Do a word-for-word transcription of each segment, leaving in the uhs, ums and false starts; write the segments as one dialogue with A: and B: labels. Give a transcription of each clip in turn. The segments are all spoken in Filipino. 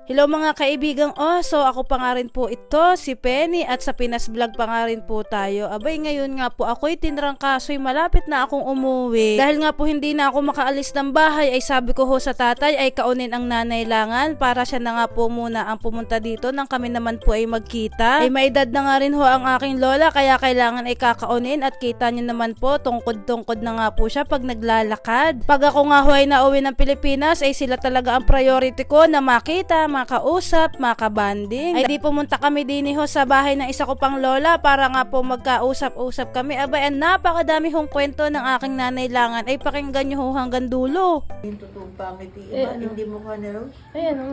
A: Hello mga kaibigang oso, ako pa nga rin po ito, si Penny at sa Pinas Vlog pa nga rin po tayo. Abay ngayon nga po ako'y tinrangkaso'y malapit na akong umuwi. Dahil nga po hindi na ako makaalis ng bahay ay sabi ko ho sa tatay ay kaunin ang nanay langan para siya na nga po muna ang pumunta dito nang kami naman po ay magkita. Ay may edad na nga rin ho ang aking lola kaya kailangan ay kakaunin at kita nyo naman po tungkod-tungkod na nga po siya pag naglalakad. Pag ako nga ho ay nauwi ng Pilipinas ay sila talaga ang priority ko na makita, makausap, makabanding. Ay di pumunta kami din ho sa bahay ng isa ko pang lola para nga po magkausap-usap kami. Abay, ang napakadami hong kwento ng aking nanay langan ay pakinggan nyo ho hanggang dulo.
B: Yung totoong pangit, iba,
A: Eh, ano?
B: hindi mo ka na Rose.
A: Ayan o.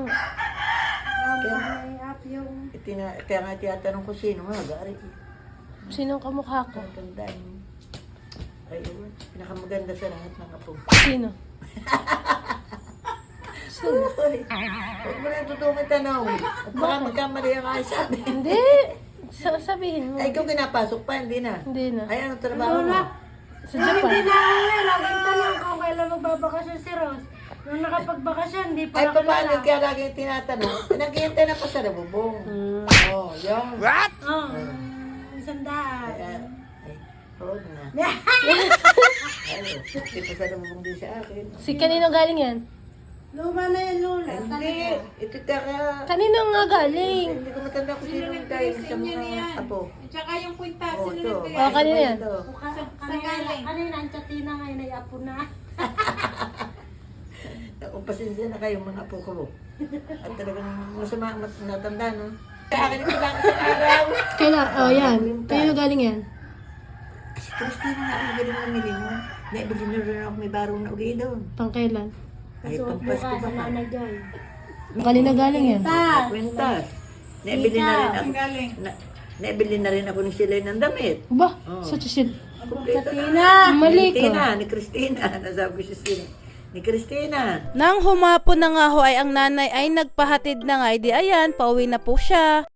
B: Kaya, itina, kaya nga tiyatanong ko sino nga, gari.
A: Sinong kamukha ko?
B: Tandaan mo. Ay, ewan, pinakamaganda sa lahat ng apo.
A: Sino? Sino?
B: Uy, huwag mo na yung totoong tanong. At baka magkamali ang ay sabi.
A: Hindi. Sa sabihin mo.
B: Ay, ikaw pinapasok pa, hindi na.
A: Hindi na.
B: Ay, anong trabaho mo?
A: Sa Japan.
C: Hindi na nga, laging tanong kung kailan magbabakasyon si Rose. Nung nakapagbakasyon, di pa
B: Ay, paano
C: nakilala.
B: kaya laging tinatanong? Naghihintay na pa sa nabubong.
A: Hmm.
B: Oh, yun.
C: Oo, oh, isang daan.
B: Ay, ay, huwag na. Ay, ito sa nabubong din sa akin.
A: Si kanino galing yan?
C: Luma na yan, Lola.
B: Ay, hindi. Ito taka.
A: Kanino nga galing?
B: Hindi ko matanda kung sino yung tayo sa mga apo.
D: At saka yung kwintas,
B: Oh,
D: sino
B: ito.
D: nagtaya?
A: Oh, kanina yan.
B: Ito.
C: Kanina, kanina, ang chatina ngayon ay apo na.
B: O, pasensya na kayo mga apo ko. At talagang masama mas natanda, no? Sa akin ito lang sa araw.
A: Kailan? Oh, yan. Kanino galing yan?
B: Si Christina nga ang galing namili mo. Naibili na rin ako may barong na uli doon.
A: Pang kailan?
B: Ay,
C: Suot
B: pampas
C: buka
B: ko
C: sa
B: ba ka?
C: Nanay Joy.
A: Kanino galing yan?
C: Tas,
B: Kwintas. Naibili na rin ako.
D: Ang galing.
B: Na, naibili na rin ako ni Silay ng damit.
A: Ba?
B: Oh.
A: Sa chisil.
C: chatina.
A: Mali ka.
B: Christina, ni Christina. Nasabi ko si Silay. Ni Christina.
A: Nang humapon na nga ho ay ang nanay ay nagpahatid na nga, di ayan, pauwi na po siya.